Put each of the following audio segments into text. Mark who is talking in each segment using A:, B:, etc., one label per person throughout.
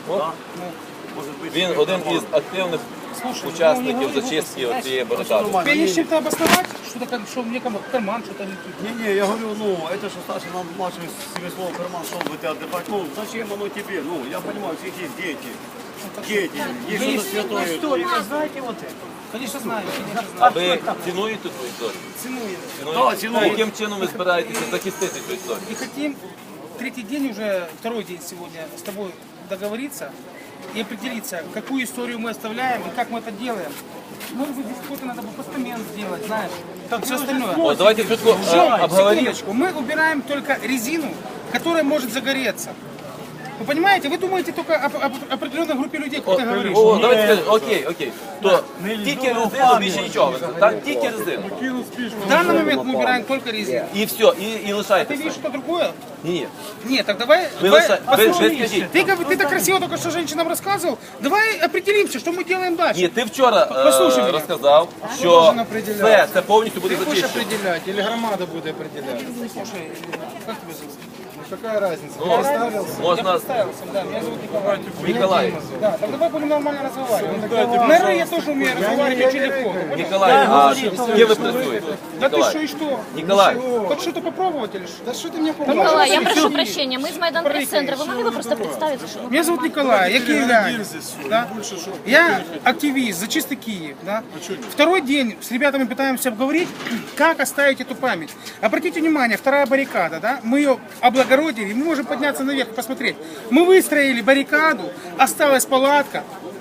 A: Він один із активних учасників зачистки цієї барикади.
B: Тебе есть чем-то обосновать, что мне карман что-то летит?
C: Не, я говорю, ну, это что старше нам младший семислов карман шел бы ты отдыхать. Ну, зачем оно тебе? Ну, я понимаю, у всех есть дети. Дети, есть что-то святое.
B: Историю, знаете вот это? Конечно знаю,
A: А ви цінуєте цю історію?
B: ценую.
C: Да, цінуємо.
A: Яким чином ви збираєтеся захистити цю історію?
B: И хотим третий день уже, второй день сегодня с тобой договориться и определиться, какую историю мы оставляем и как мы это делаем. Может быть, здесь какой-то надо бы постамент сделать, знаешь, там все остальное.
A: От, давайте швидко обговоримо.
B: Секундочку, мы убираем только резину, которая может загореться. Вы понимаете, вы думаете только об определенной группе людей, как ты говоришь.
A: О, давайте скажемо, окей. То тільки резину, більше нічого. Так, тільки резину.
B: В данный момент мы убираем только резину.
A: І все, і
B: Ты
A: лишайтеся.
B: видишь что-то другое?
A: Ні.
B: Нет, так давай...
A: Ви скажіть.
B: Ты так красиво только что женщинам рассказывал. Давай определимся, что мы делаем дальше.
A: Ні, ти вчора
B: Послухай мене.
A: розказав, що
D: должен определяти?
A: це повністю буде
D: Ты будешь
A: зачищено.
D: определять или громада будет определять?
B: Слушай, как тебя зовут?
D: Ну какая разница?
A: Ну,
D: Я представился.
B: Я
A: можна
B: представился, да, меня зовут Николай.
A: Ніколай.
B: Да, так давай будем нормально разговаривать. Наверное, я тоже умею разговаривать очень легко.
A: Ніколай, а з ким ви працюєте?
B: Да ты что
A: Ніколай.
B: и что?
A: Ніколай.
B: Хочешь что-то попробовать или что?
D: Да что ты мне помогаешь?
E: Николай, я прошу прощения, мы из Майдан пресс-центра. Вы могли бы просто представиться? Что...
B: Меня зовут Николай, я киевлянин. Да? Я активист, зачистый Киев. Да? Второй день с ребятами пытаемся обговорить, как оставить эту память. Обратите внимание, вторая баррикада, да? Мы ее облагородили, мы можем подняться наверх и посмотреть. Мы выстроили баррикаду, осталась палатка,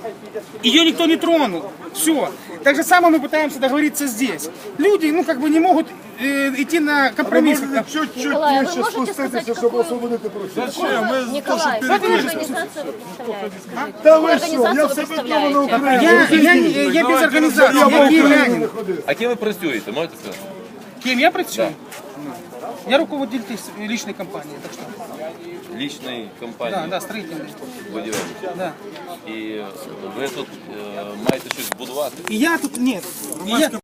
B: ее никто не тронул. Все. Так же самое мы пытаемся договориться здесь. Люди, ну, как бы не могут идти на компромисс.
E: Николай, а вы можете сказать, какую... Николай, какую организацию вы представляете? Какую организацию вы представляете?
B: Я без организации, я киевлянин.
A: А ким ви працюєте, можете сказати?
B: Кем я працюю? Я руководитель личной компании, так что.
A: Лічної
B: Да,
A: компанії
B: да, строительной.
A: будівельної.
B: Да.
A: І ви тут маєте щось будувати?
B: И я тут, нет, и я,